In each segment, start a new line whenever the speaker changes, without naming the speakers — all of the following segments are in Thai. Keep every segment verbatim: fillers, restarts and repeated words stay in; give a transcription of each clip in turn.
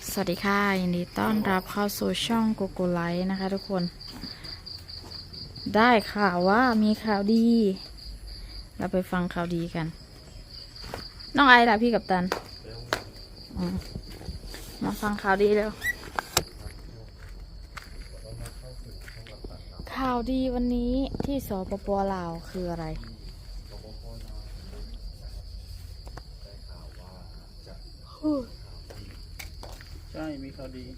สวัสดีค่ะยินดีต้อนรับเข้าสู่ช่องโกโกไลท์นะคะทุกคนได้ข่าวว่ามีข่าวดี เราไปฟังข่าวดีกัน น้องไอล่ะพี่กัปตันมาฟังข่าวดีเร็วข่าวดีวันนี้ที่สปป.ลาวคืออะไร
ใช่มีข่าวดี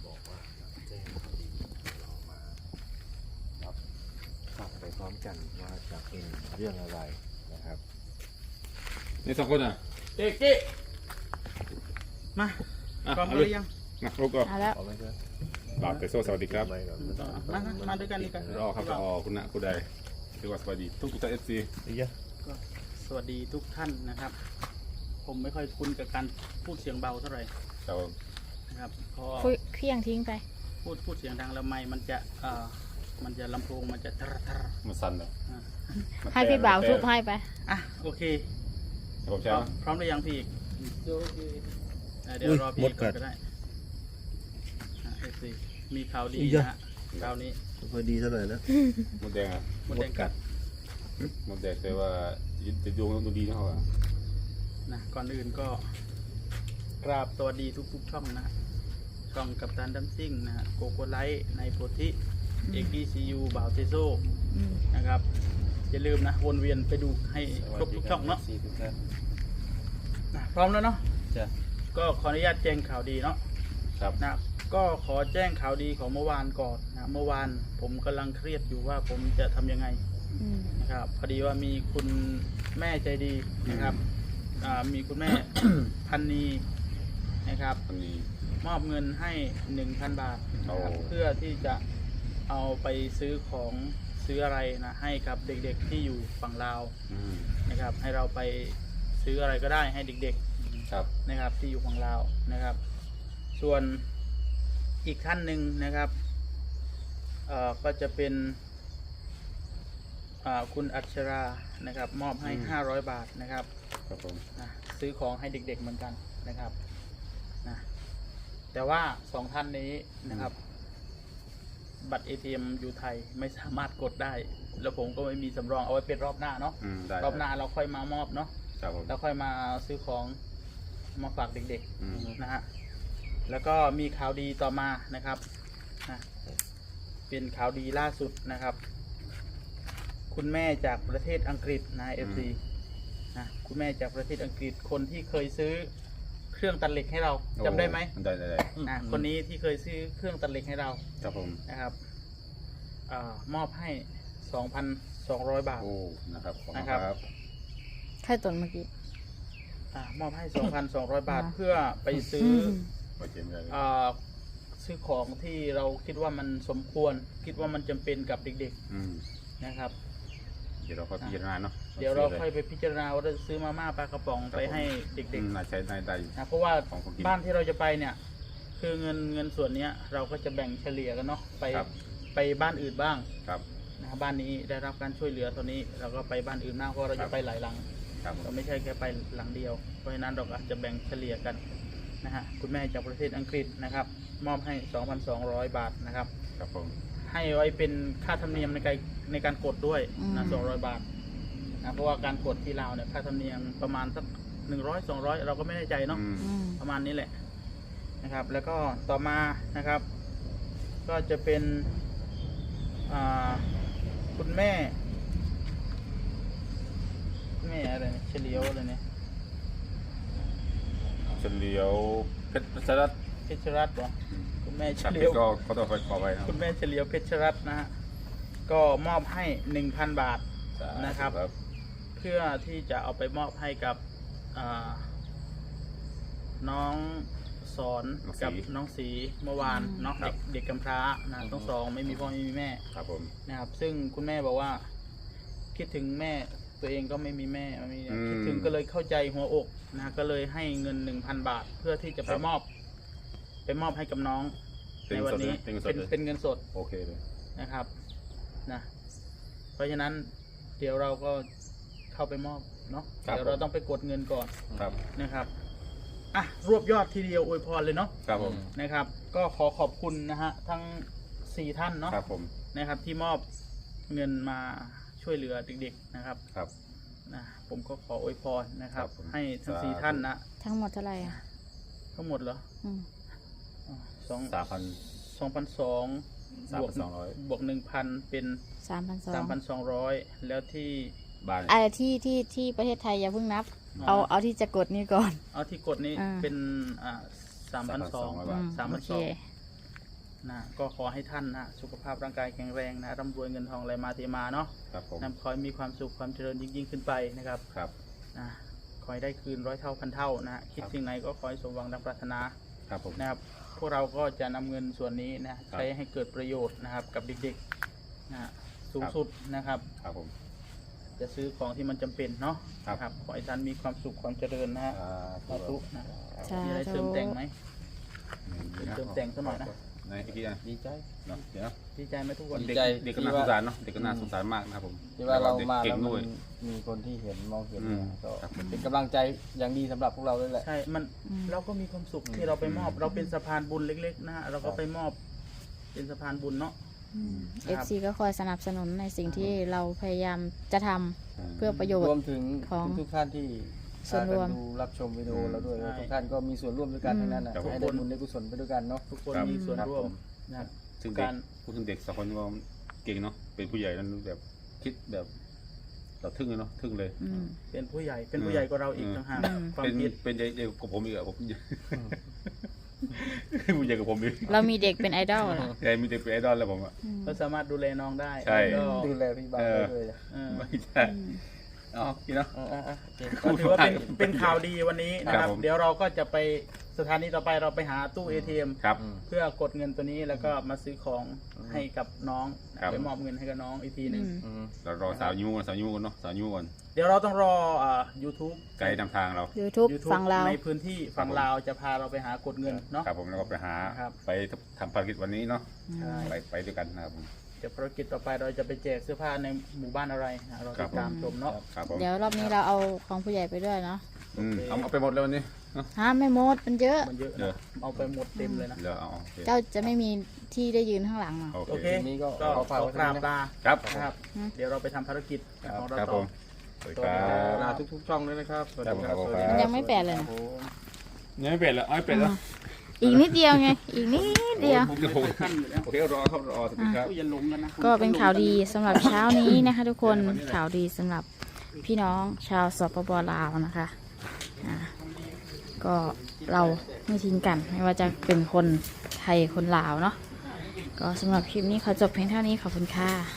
ฟังไปพร้อมกันว่าจะเป็นเรื่องอะไรนะครับ
นี่สองคนอ่ะ
เจ๊เจ๊มาพร้อมหรือยัง
นะลูกก็
เอาแล้ว
เอาไหมครับ
บาทเตโซสวัสดีครับ
ไม่หรอก
มามามาด้วยกันดีกัน
รอครับรอคุณนะคุณใดถือว่าสวัสดีทุกทุกท่านเอฟซี
ไอ้ยะ
ก็สวัสดีทุกท่านนะครับ ผมไม่ค่อยคุ้นกับการพูดเสียงเบาเท่าไหร่
เรา
นะครับเพราะ
คุยเครื่องทิ้งไป
พูดพูดเสียงดังแล้วไม่มันจะเอ่อมันจะลำโพงมันจะทรทร
มันสั่นเลย
อ่ะ
ให้พี่บ่าวทุบให้ไป
อ่ะโอเค
ผม
พ
ใช่
ร้อ
ไห
ม
ม
พร้อมหรือยังพี่อีกอ่ะเดี๋ยวรอพี่ก่อนก็ได้อ่ะเอฟซีมีข่าวดีนะฮะข่าวนี้
พอดีเท่าไหร่นะ
มดแดงอ่ะ
มดแดงกัด
มดแดงแต่ว่าจะดวงดูดีนะเขาอ่ะ
นะก่อนอื่นก็กราบสวัสดีทุกๆช่องนะช่องกัปตันดัมซิ่งนะฮะโกโกไลท์ในโพธิเอกดีซียูบ่าวเทโซ
อืม
นะครับอย่าลืมนะวนเวียนไปดูให้ครบทุกช่องเนาะ
สี่ทุกท่าน
นะพร้อมแล้วเนาะ
จ้ะ
ก็ขออนุญาตแจ้งข่าวดีเนาะ
ครับ
นะก็ขอแจ้งข่าวดีของเมื่อวานก่อนนะเมื่อวานผมกำลังเครียดอยู่ว่าผมจะทำยังไง
อืม
นะครับพอดีว่ามีคุณแม่ใจดีนะครับอ่ามีคุณแม่ พันนีนะครับ
อันนี้
มอบเงินให้ หนึ่งพัน บาทนะครับ
โอ้
เพื่อที่จะเอาไปซื้อของซื้ออะไรนะให้กับเด็กๆที่อยู่ฝั่งลาว
อืม
นะครับ ให้เราไปซื้ออะไรก็ได้ให้เด็ก
ครับ
ๆนะครับที่อยู่ฝั่งลาวนะครับ ส่วนอีกท่านหนึ่งนะครับเอ่อก็จะเป็นอ่าคุณอัชรานะครับ มอบให้ ห้าร้อย บาทนะครับ
ครับผม
นะซื้อของให้เด็กๆเหมือนกันนะครับนะแต่ว่าสองท่านนี้นะครับ บัตร เอ ที เอ็ม อยู่ไทยไม่สามารถกดได้ แล้วผมก็ไม่มีสำรองเอาไว้เป็นรอบหน้าเนาะ
อืมได้
รอบหน้าเราค่อยมามอบเนาะ
ครับผม
แล้วค่อยมาซื้อของมาฝากเด็ก
อืม
ๆนะฮะแล้วก็มีข่าวดีต่อมานะครับนะเป็นข่าวดีล่าสุดนะครับ คุณแม่จากประเทศอังกฤษนะเอฟซีนะคุณแม่จากประเทศอังกฤษคนที่เคยซื้อเครื่องตัดเหล็กให้เราจำได้ไหม
ได้ได้ได้
นะคนนี้ที่เคยซื้อเครื่องตัดเหล็กให้เรา
ครับผม
นะครับอามอบให้ สองพันสองร้อย บาท
โอ้นะครับขอบคุณ
นะครับ
ครับ
ใครตนเมื่อกี้
อามอบให้ สองพันสองร้อย บาท
อ่า
เพื่อไปซื้อ
ไปเจมส์เลย
อาซื้อของที่เราคิดว่ามันสมควร คิดว่ามันจำเป็นกับเด็ก
อืม
ๆนะครับ
เดี๋ยวเราค่อยพิจารณาเนาะ
เดี๋ยวเราค่อยไปพิจารณาว่าจะซื้อมาม่าปลากระป๋องไปให้เด็
อื
ก
มน่าใช้ได้ได้อยู่
ๆนะเพราะว่า
ของคนกิน
บ้านที่เราจะไปเนี่ย คือเงินเงินส่วนเนี้ย เราก็จะแบ่งเฉลี่ยกันเนาะไป
ครับ
ไปบ้านอื่นบ้าง
ครับ
นะครับบ้านนี้ได้รับการช่วยเหลือตัวนี้ เราก็ไปบ้านอื่นบ้างเพราะเรา
ครั
จะ
บ
ไปหลายหลัง
ครับผ
เรา
ม
ไม่ใช่แค่ไปหลังเดียว เพราะฉะนั้นเราก็อาจจะแบ่งเฉลี่ยกันนะฮะคุณแม่จากประเทศอังกฤษนะครับ มอบให้ สองพันสองร้อย บาทนะครับ
ครับผม
ให้ไว้เป็นค่าธรรมเนียมในการในการกดด้วย
อืม
นะสองร้อยบาทนะเพราะว่าการกดที่ลาวเนี่ยค่าธรรมเนียมประมาณสักหนึ่งร้อยสองร้อยเราก็ไม่แน่ใจเนาะ
อืม
อืม
ประมาณนี้แหละนะครับ แล้วก็ต่อมานะครับ ก็จะเป็นอ่าคุณแม่แม่อะไรเนี่ยเฉลียวอะไรเนี่ย
เฉลียวเพชรสลัด
เพชรรัตน์เหรอคุณแม่เฉ
ครับ
ลี
เพ
ย
ช
ว
รก็ก็ต้องไปขอไปนะ
คุณแม่เฉลียวเพชรรัตน์นะฮะก็มอบให้หนึ่งพันบาท นะครับ เพื่อที่จะเอาไปมอบให้กับอ่าน้องสอนกับน้องสีเมื่อวานเนาะเด็กเด็กกำพร้านะทั้งสองไม่มีพ่อไม่มีแม่
ครับผม
นะครับ ซึ่งคุณแม่บอกว่า คิดถึงแม่ตัวเองก็ไม่มีแม่ไม่มีคิดถึงก็เลยเข้าใจหัวอกนะก็เลยให้เงินหนึ่งพันบาท เพื่อที่จะไปมอบ ไปมอบให้กับน้อง
เป็
ใน
น
วัน
สด
นี้
เลยเป็นส
เป็
ด
น
เลย
เป็นเงินสด
โอเคเลย
นะครับนะเพราะฉะนั้นเดี๋ยวเราก็เข้าไปมอบเนาะเดี๋ยวเราต้องไปกดเงินก่อน
ครับ
นะครับอ่ะรวบยอดทีเดียวอวยพรเลยเนาะ
ครับผม
นะครับ ก็ขอขอบคุณนะฮะทั้งสี่ท่านเนาะ
ครับผม
นะครับที่มอบเงินมาช่วยเหลือเด็กๆนะครับ
ครับ
นะผมก็ขออวยพรนะครับ
ครับผม
ให้ทั้ง
สาธุ
สี่ท่านนะ
ทั้งหมดเท่าไหร่อ่ะ
ทั้งหมดเหรอ
อืม
อ๋อสอง
สามพัน
สองพันสอง
สาม
บว
พั
ก
นสองร้อย
บวกหนึ่งพันเป็น
สามพันสอง
สามพันสองร้อยแล้วที่
บ้าน
อะไรที่ที่ที่ประเทศไทยอย่าเพิ่งนับ
อ๋อ
เอาเอาที่จะกดนี่ก่อน
เอาที่กดนี้
อ่า
เป็นอ่าสามพันสอง
3,200 บาท
สาม
โอ
พัน
เค
สองนะก็ขอให้ท่านนะสุขภาพร่างกายแข็งแรงนะร่ำรวยเงินทองไหลมาเทมาเนาะ
ครับผม
นะขอให้มีความสุขความเจริญยิ่งยิ่งขึ้นไปนะครับ
ครับ
นะขอให้ได้คืนร้อยเท่าพันเท่านะคิด
ครับ
สิ่งไหนก็ขอให้สมหวังดังปรารถนา
ครับผม
นะครับพวกเราก็จะนำเงินส่วนนี้นะใช้ให้เกิดประโยชน์นะครับกับเด็กๆนะสูง
ครับ
สุดนะครับ
ครับผม
จะซื้อของที่มันจำเป็นเนาะ
ครับ
ครับขอให้ท่านมีความสุขความเจริญนะฮะ
อ่า
สาธุนะ
สาธุ
มีอะไรเสริมแต่งไหม
นี่
เติมแต่งสักหน่อยนะ
ในอีกทีนะ
ดีใจ
เนาะเดี๋ยว
ดีใจไหมทุกคน
ดี
เด็ก
ใจ
เด็กก็น่าสงสารเนาะเด็กก็น่าสงสารมากนะครับผม
ที่ว่าเรา
ด็ก
มา
เก่
แล้
ง
ว
ด้วย
มันมีคนที่เห็นมองเห็น
อืม
ก็
ครับ
เป็นกำลังใจอย่างดีสำหรับพวกเราด้วยแหละ
ใช่มัน
อืม
เราก็มีความสุขที่เราไปมอบ เราเป็นสะพานบุญเล็กๆนะฮะเราก็ไปมอบ เป็นสะพานบุญเนาะ
เอฟซีก็คอยสนับสนุนในสิ่งที่เราพยายามจะทำเพื่อประโยช
รวม
น์
ถึง
ของ
ทุกๆท่านที่
ส่วนรวม
พากันดูรับชมวิดีโอเราด้วย
ใช่
ทุกท่านก็มีส่วนร่วมด้วยกัน
อืม
ทั้งนั้นนะ
ครับ
ให้ได้บุญได้กุศลไปด้วยกันเนาะ
ทุกคน
ครับ
มีส่วน
ครับ
ร่วม
ผม
นะครับ
ซึ่งเด็
กาก ร
พูดถึงเด็กสองคนก็เก่งเนาะเป็นผู้ใหญ่นั้นแบบคิดแบบเราทึ่งเลยเนาะทึ่งเลย
อืม
เป็นผู้ใหญ่เป็นผู้ใหญ่กว่าเราอีก
อืม
ต่างหาก
อืม
ความ
เป็น
คิด
เป็นใหญ่ใหญ่กว่าผมอีกอะผม ผู้ใหญ่กว่าผมอีก
เรามีเด็กเป็นไอดอลเหรอ
ใหญ่มีเด็กเป็นไอดอลแล้วผมอะ
อืม
ก็สามารถดูแลน้องได้
ใช่
แล้วก็
ดูแลพี่บาง
เออ
ด้วยนะ
เออ
ไม่ใช่
อืม
อ๋อกินเนาะ
เออๆๆโอเค
ก็ถือว่าเป็นเป็นข่าวดีวันนี้นะค
ครั
รั
บบ ผม
เดี๋ยวเราก็จะไปสถานีต่อไปเราไปหาตู้ เอ ที เอ็ม
ครับ
อืม
เพื่อกดเงินตัวนี้แล้วก็มาซื้อของให้กับน้อง
ครับ
ไปมอบเงินให้กับน้องอีกทีหนึ่ง
อืม
อืม
เรารอสาวยูก่อนสาวยูก่อนเนาะสาวยูก่อน
เดี๋ยวเราต้องรออ่า YouTube
ไกด์นำทางเรา
YouTube
YouTube
ฝั่งเราว
ในพื้นที่ฝั่ง
ครับผม
ลาวจะพาเราไปหากดเงินเนาะ
ครับผมแล้วก็ไปหา
ครับ
ไปทำภารกิจวันนี้เนาะ
ใช่
ไปไปด้วยกันนะครับผม
เดี๋ยวภารกิจต่อไปเราจะไปแจกเสื้อผ้าในหมู่บ้านอะไรนะเรา
ครั
ติ
บ
ดตามชมเนาะ
ครับผม
เดี๋ยวรอบนี้เราเอาของผู้ใหญ่ไปด้วยเนาะ
อืมเอาเอาไปหมดเลยวันนี้เนาะ
ฮะไม่หมดมันเยอะ
มันเยอะ
เดี๋ยว
นะเอาไปหมดเต็มเลยนะ
เดี๋ยวเอาโอเค
เจ้าจะไม่มีที่ได้ยืนข้างหลังเหรอ
โอ
โอ
เค
เค
ทีนี้ก็
ก็
ขอฝาก
ขอ
ไว้
กราบ
เท่านี้นะ
ลา
ครับ
นะครับ
อืม
เดี๋ยวเราไปทำภารกิจของเรา
ครับ
ต่
ผ
อ
มสวัสดีครับ
ลาทุกๆช่องด้วยนะครับสวัสดี
ครับผม
สวัสดี
มันยังไม่แปดเลย
ครั
นะ
บผม
ยังไม่เปลี่ยนแล้วเอาไม่เปลี่ยนแล้ว
อีกนิดเดียวไง อีกนิดเดียว
ผมจะโทรโอเครอครับรอสวัสดีครับ
อย่าหลงกันนะ
ก็เป็นข่าวดีสำหรับเช้านี้นะคะ ทุกคนข่าวดีสำหรับพี่น้องชาวสปปลาวนะคะอ่าก็เราไม่ทิ้งกัน ไม่ว่าจะเป็นคนไทยคนลาวเนาะก็สำหรับคลิปนี้ขอจบเพียงเท่านี้ขอบคุณค่ะ